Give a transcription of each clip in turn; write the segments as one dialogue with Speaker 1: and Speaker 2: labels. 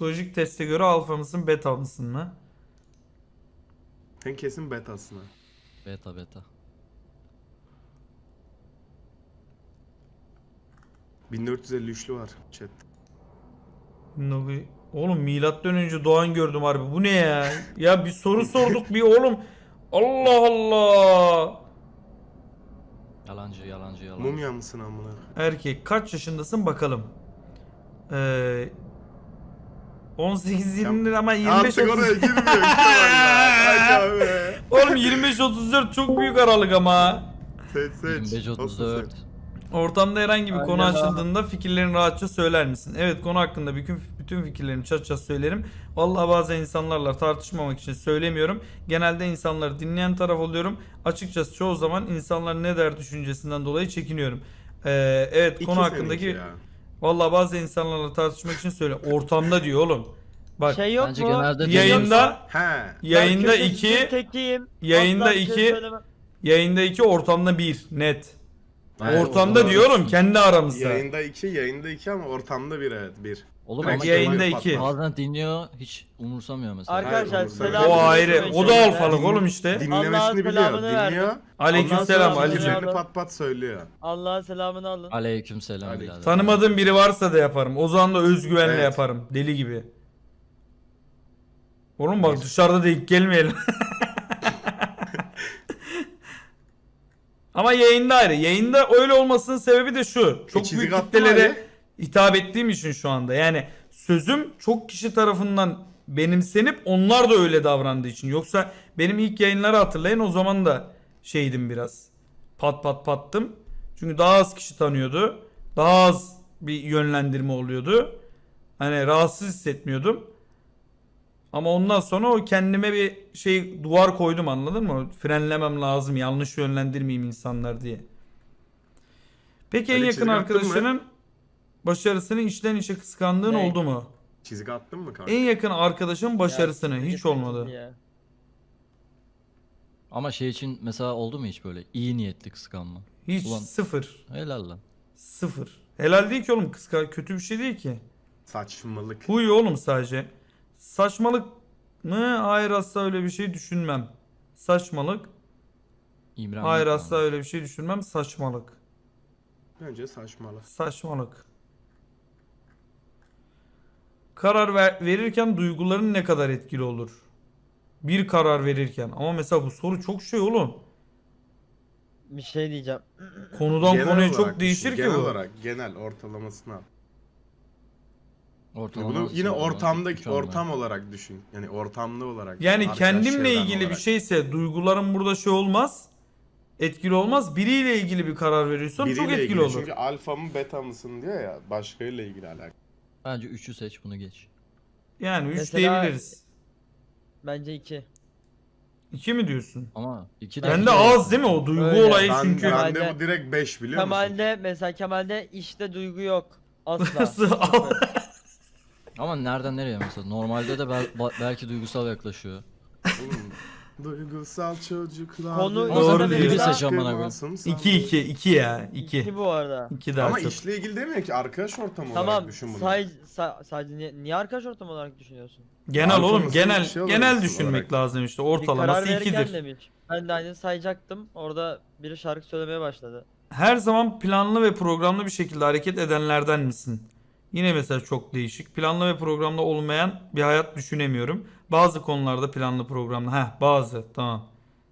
Speaker 1: Psikolojik teste göre alfa mısın beta mısın mı?
Speaker 2: Sen kesin betasın ha.
Speaker 3: Beta beta.
Speaker 2: 1453'lü var chat.
Speaker 1: Oğlum milattan önce doğan gördüm harbi. Bu ne ya? Ya bir soru sorduk bir oğlum. Allah Allah.
Speaker 3: Yalancı yalancı yalancı.
Speaker 2: Mumya mısın amına?
Speaker 1: Erkek kaç yaşındasın bakalım. 18-20 lira ama 25
Speaker 2: Artık oraya
Speaker 1: 30.
Speaker 2: girmiyor işte valla. Hadi abi.
Speaker 1: Oğlum 25-34 çok büyük aralık ama.
Speaker 2: Seç seç.
Speaker 3: 25-34.
Speaker 1: Ortamda herhangi bir konu
Speaker 4: Aynen.
Speaker 1: açıldığında fikirlerini rahatça söyler misin? Evet, konu hakkında bütün fikirlerimi çat söylerim. Vallahi bazen insanlarla tartışmamak için söylemiyorum. Genelde insanları dinleyen taraf oluyorum. Açıkçası çoğu zaman insanlar ne der düşüncesinden dolayı çekiniyorum. Evet,
Speaker 2: İki
Speaker 1: konu hakkındaki
Speaker 2: seninki ya.
Speaker 1: vallahi bazı insanlarla tartışmak için söyle. Ortamda diyor oğlum. Bak
Speaker 4: Şey yok
Speaker 3: Bence
Speaker 4: mu?
Speaker 3: genelde
Speaker 1: yayında
Speaker 2: He.
Speaker 1: yayında
Speaker 4: Ben
Speaker 1: 2
Speaker 4: tekiyim.
Speaker 1: yayında
Speaker 4: Asla bir şey
Speaker 1: 2
Speaker 4: söylemem.
Speaker 1: yayında 2 ortamda 1 net.
Speaker 3: Evet,
Speaker 1: Ortamda
Speaker 3: doğru
Speaker 1: diyorum
Speaker 3: diyorsun.
Speaker 1: kendi aramızda.
Speaker 2: Yayında 2 ama ortamda 1 evet 1.
Speaker 3: Oğlum
Speaker 2: Direkt
Speaker 3: ama
Speaker 1: yayında
Speaker 2: Kemal
Speaker 1: 2.
Speaker 2: patlar.
Speaker 3: bazen dinliyor hiç umursamıyor mesela.
Speaker 4: Arkadaşlar
Speaker 2: Hayır,
Speaker 4: selam.
Speaker 1: O ayrı. O da alfalık oğlum işte.
Speaker 4: Allah'ın
Speaker 2: Dinlemesini biliyor.
Speaker 4: selamını
Speaker 2: Dinliyor.
Speaker 4: verdim.
Speaker 1: Aleykümselam
Speaker 4: Allah'ın
Speaker 1: Ali'cim.
Speaker 4: selamını
Speaker 2: Fikirlerini pat pat söylüyor.
Speaker 4: Allah'ın selamını alın.
Speaker 3: Aleykümselam
Speaker 2: Aleyküm.
Speaker 3: birader.
Speaker 1: Tanımadığım biri varsa da yaparım. O zaman da özgüvenle
Speaker 2: Evet.
Speaker 1: yaparım. Deli gibi. Oğlum bak dışarıda denk gelmeyelim. Ama yayında ayrı. Yayında öyle olmasının sebebi de şu. Çok
Speaker 2: çizik
Speaker 1: büyük
Speaker 2: attın
Speaker 1: kitlelere
Speaker 2: Ali.
Speaker 1: hitap ettiğim için şu anda. Yani sözüm çok kişi tarafından benimsenip onlar da öyle davrandığı için. Yoksa benim ilk yayınları hatırlayın, o zaman da şeydim biraz. Pat pat pattım. Çünkü daha az kişi tanıyordu. Daha az bir yönlendirme oluyordu. Hani rahatsız hissetmiyordum. Ama ondan sonra o kendime bir şey duvar koydum, anladın mı? Frenlemem lazım, yanlış yönlendirmeyeyim insanlar diye. Peki en
Speaker 2: Öyle
Speaker 1: yakın
Speaker 2: çizgi attın mı?
Speaker 1: arkadaşının başarısını içten içe kıskandığın
Speaker 4: Ne?
Speaker 1: oldu mu?
Speaker 2: Çizik attın mı kanka?
Speaker 1: En yakın arkadaşın başarısını
Speaker 4: Ya,
Speaker 1: hiç
Speaker 4: git
Speaker 1: olmadı.
Speaker 4: ya.
Speaker 3: Ama şey için mesela oldu mu hiç böyle iyi niyetli kıskanma?
Speaker 1: Hiç,
Speaker 3: Ulan.
Speaker 1: sıfır.
Speaker 3: Helal lan.
Speaker 1: Sıfır. Helal değil ki oğlum, kötü bir şey değil ki.
Speaker 2: Saçmalık.
Speaker 1: Huy oğlum sadece. Saçmalık mı? Hayır, asla öyle bir şey düşünmem. Saçmalık.
Speaker 3: İmrenmek
Speaker 1: Hayır,
Speaker 3: yani.
Speaker 1: asla öyle bir şey düşünmem. Saçmalık.
Speaker 2: Bence saçmalık.
Speaker 1: Saçmalık. Karar verirken duyguların ne kadar etkili olur? Bir karar verirken. Ama mesela bu soru çok şey oğlum.
Speaker 4: Bir şey diyeceğim.
Speaker 1: Konudan
Speaker 2: Genel
Speaker 1: konuya
Speaker 2: olarak
Speaker 1: çok
Speaker 2: düşün,
Speaker 1: değişir ki
Speaker 2: genel
Speaker 1: bu.
Speaker 2: olarak genel ortalamasını al.
Speaker 3: Ortalama
Speaker 2: Bunu yine
Speaker 3: sıralama,
Speaker 2: ortamdaki
Speaker 3: üç olmayan.
Speaker 2: ortam olarak düşün. Yani ortamlı olarak.
Speaker 1: Yani
Speaker 2: arkadaş
Speaker 1: kendimle
Speaker 2: çevren
Speaker 1: ilgili bir
Speaker 2: olarak.
Speaker 1: şeyse duygularım burada şey olmaz. Etkili olmaz. Biriyle ilgili bir karar veriyorsam çok
Speaker 2: Biriyle
Speaker 1: etkili
Speaker 2: ilgili.
Speaker 1: olur.
Speaker 2: Çünkü alfa mı beta mısın diyor ya. Başkayla ilgili alakalı.
Speaker 3: Bence 3'ü seç bunu geç.
Speaker 1: Yani 3
Speaker 4: Mesela-
Speaker 1: diyebiliriz.
Speaker 4: Bence 2.
Speaker 1: 2 mi diyorsun?
Speaker 3: Ama 2 de...
Speaker 1: Bende az değil mi o duygu
Speaker 4: Öyle.
Speaker 1: olayı
Speaker 2: Ben,
Speaker 1: çünkü.
Speaker 2: bende
Speaker 4: Kemal'de-
Speaker 2: bu direkt 5 biliyor musun?
Speaker 4: Kemal'de işte duygu yok. Asla.
Speaker 1: Nasıl?
Speaker 4: Sıfır.
Speaker 3: Ama nereden nereye mesela? Normalde de belki duygusal yaklaşıyor.
Speaker 2: Oğlum, duygusal çocuklar.
Speaker 4: Konu-
Speaker 3: Ama
Speaker 1: Doğru
Speaker 3: sen de
Speaker 1: diyor.
Speaker 3: biri seç amına koyayım.
Speaker 1: 2 ya. 2.
Speaker 4: 2 bu arada.
Speaker 1: 2 daha
Speaker 2: Ama
Speaker 1: çok.
Speaker 2: işle ilgili demiyor ki arkadaş ortamı olarak
Speaker 4: Tamam.
Speaker 2: düşün bunu.
Speaker 4: Sadece niye arkadaş ortamı olarak düşünüyorsun?
Speaker 1: Genel
Speaker 2: Alfa
Speaker 1: oğlum,
Speaker 2: mısın,
Speaker 1: genel
Speaker 2: bir şey
Speaker 1: genel
Speaker 2: olarak
Speaker 1: düşünmek
Speaker 2: olarak.
Speaker 1: lazım işte.
Speaker 4: Bir karar
Speaker 1: Ortalaması
Speaker 4: verirken
Speaker 1: 2'dir.
Speaker 4: demiş. Ben de aynı sayacaktım. Orada biri şarkı söylemeye başladı.
Speaker 1: Her zaman planlı ve programlı bir şekilde hareket edenlerden misin? Yine mesela çok değişik. Planlı ve programlı olmayan bir hayat düşünemiyorum. Bazı konularda planlı programlı. Bazı. Tamam.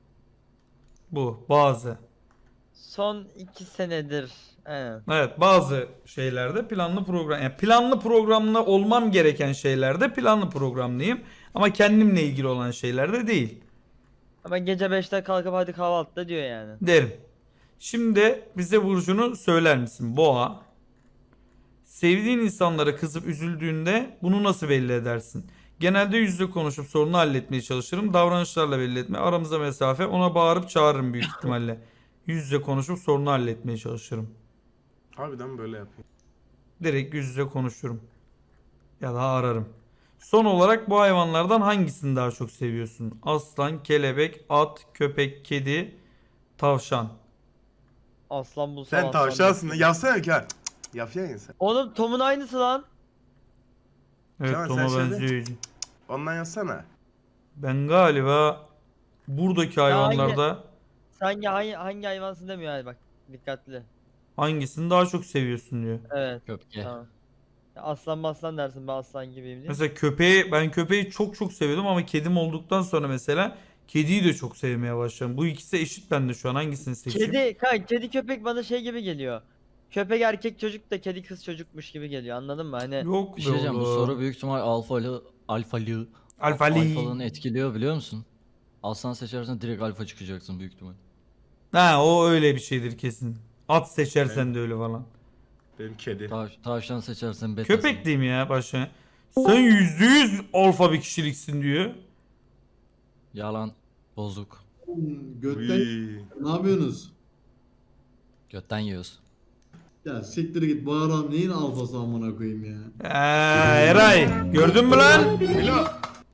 Speaker 1: Bu. Bazı.
Speaker 4: Son 2 senedir. Evet.
Speaker 1: Evet, bazı şeylerde planlı program. Yani planlı programlı olmam gereken şeylerde planlı programlıyım. Ama kendimle ilgili olan şeylerde değil.
Speaker 4: Ama gece 5'te kalkıp hadi kahvaltıda diyor yani.
Speaker 1: Derim. Şimdi bize burcunu söyler misin? Boğa. Sevdiğin insanlara kızıp üzüldüğünde bunu nasıl belli edersin? Genelde yüzle konuşup sorunu halletmeye çalışırım. Davranışlarla belli etme. Aramızda mesafe. Ona bağırıp çağırırım büyük ihtimalle. Yüzle konuşup sorunu halletmeye çalışırım.
Speaker 2: Harbiden böyle yapıyor.
Speaker 1: Direkt yüz yüze konuşurum. Ya da ararım. Son olarak bu hayvanlardan hangisini daha çok seviyorsun? Aslan, kelebek, at, köpek, kedi, tavşan.
Speaker 4: Aslan bulsam
Speaker 2: Sen
Speaker 4: aslan
Speaker 2: tavşansın.
Speaker 4: bulsam.
Speaker 2: Yapsana ki. Yapıyorsun ya sen.
Speaker 4: Oğlum Tom'un aynısı lan.
Speaker 1: Evet
Speaker 2: Kemal,
Speaker 1: Tom'a
Speaker 2: sen şeyde-
Speaker 1: benziyor.
Speaker 2: Ondan yazsana.
Speaker 1: Ben galiba buradaki hayvanlarda
Speaker 4: Sen hangi hayvansın demiyor yani bak. Dikkatli.
Speaker 1: hangisini daha çok seviyorsun diyor.
Speaker 4: Evet.
Speaker 3: Köpke.
Speaker 4: Tamam. Ya aslan maslan dersin ben aslan gibiyim diye.
Speaker 1: Mesela ben köpeği çok çok seviyordum ama kedim olduktan sonra mesela kediyi de çok sevmeye başladım. Bu ikisi eşit bende şu an, hangisini seçeyim?
Speaker 4: Kedi köpek bana şey gibi geliyor. Köpek erkek çocuk da kedi kız çocukmuş gibi geliyor anladın mı? Hani
Speaker 1: Yok
Speaker 3: Bir
Speaker 1: be
Speaker 3: şey diyeceğim, bu
Speaker 1: oğlum.
Speaker 3: soru büyük ihtimal alfalığını
Speaker 1: Alfali.
Speaker 3: etkiliyor biliyor musun? Aslan seçersen direkt alfa çıkacaksın büyük ihtimal.
Speaker 1: Ha, o öyle bir şeydir kesin. At seçersen de öyle falan.
Speaker 2: Benim kedi.
Speaker 3: Tavşan seçersen betasın.
Speaker 1: Köpek diyeyim ya başa. Sen %100 alfa bir kişiliksin diyor.
Speaker 3: Yalan. Bozuk.
Speaker 5: Götten
Speaker 2: Uy.
Speaker 5: ne yapıyorsunuz?
Speaker 3: Götten yiyoruz.
Speaker 5: Ya siktir git bu adam neyin alfası amına koyayım ya.
Speaker 1: Eray gördün mü lan?
Speaker 2: Milo.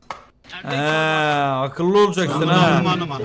Speaker 1: Akıllı olacaksın ha.
Speaker 5: Aman aman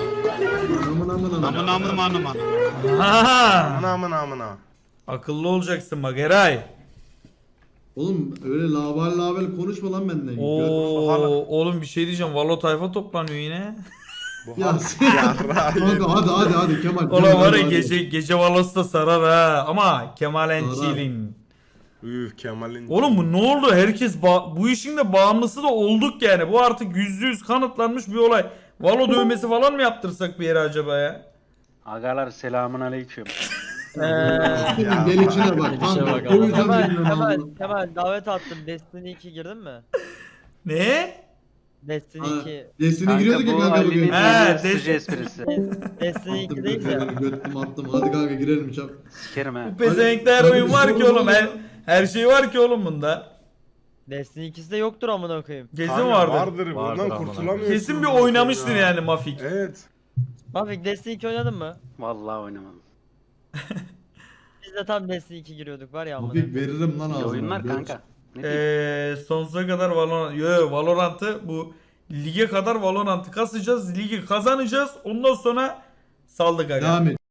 Speaker 5: aman.
Speaker 1: Ha.
Speaker 2: Ana amına.
Speaker 1: Akıllı olacaksın bak Eray.
Speaker 5: Oğlum öyle label konuşma lan benden.
Speaker 1: Oo, oğlum bir şey diyeceğim. Valo tayfa toplanıyor yine.
Speaker 2: Bu
Speaker 5: Ya
Speaker 2: hal-
Speaker 5: sen-
Speaker 2: Yarrağı
Speaker 5: hadi Kemal.
Speaker 1: Ola var ya
Speaker 5: hadi.
Speaker 1: gece valosu da sarar ha. Ama Kemal and
Speaker 5: Sarar.
Speaker 1: chilling.
Speaker 2: Üf Kemal'in.
Speaker 1: Oğlum bu ne oldu? Herkes bu işin de bağımlısı da olduk yani. Bu artık %100 kanıtlanmış bir olay. Valo dövmesi falan mı yaptırsak bir yere acaba ya?
Speaker 6: Agalar selamun aleyküm.
Speaker 5: Senin gelişine bak.
Speaker 3: Gelişe
Speaker 5: Kanka,
Speaker 3: bak
Speaker 5: koyacağım
Speaker 4: Kemal,
Speaker 5: bilmem
Speaker 4: Kemal,
Speaker 5: ne.
Speaker 4: Kemal davet attım. Destiny 2 girdin mi?
Speaker 1: Ne?
Speaker 4: Destiny
Speaker 5: Ha,
Speaker 4: 2.
Speaker 5: Destiny giriyorduk ya kanka bugün.
Speaker 1: He,
Speaker 6: He,
Speaker 1: des-
Speaker 6: sıcı esprisi.
Speaker 4: Destiny 2 değil de.
Speaker 5: Attım. Hadi kanka girelim çap.
Speaker 6: Sikerim ha.
Speaker 1: Bu pezevenkler oyun var ki oğlum. Her şey var ki oğlum bunda.
Speaker 4: Destiny 2'si de yoktur amına koyayım.
Speaker 1: Kesin
Speaker 2: Kanka
Speaker 1: vardır.
Speaker 2: Vardır
Speaker 3: Vardır
Speaker 2: bundan
Speaker 3: amına
Speaker 2: kurtulamıyorsun.
Speaker 1: Kesin bir
Speaker 2: zaten
Speaker 1: oynamıştır
Speaker 2: ya.
Speaker 1: yani Mafik.
Speaker 2: Evet.
Speaker 4: Mafik Destiny 2 oynadın mı?
Speaker 6: Vallahi oynamam.
Speaker 4: Biz de tam Destiny 2 giriyorduk var ya amına.
Speaker 5: Mafik veririm lan
Speaker 6: İyi
Speaker 5: ağzına.
Speaker 6: oyunlar
Speaker 5: Gör.
Speaker 6: kanka. Ne diyeyim?
Speaker 1: Sonsuza kadar Valorant'ı bu lige kadar Valorant'ı kasacağız. Ligi kazanacağız. Ondan sonra saldık aga.
Speaker 5: Devam et.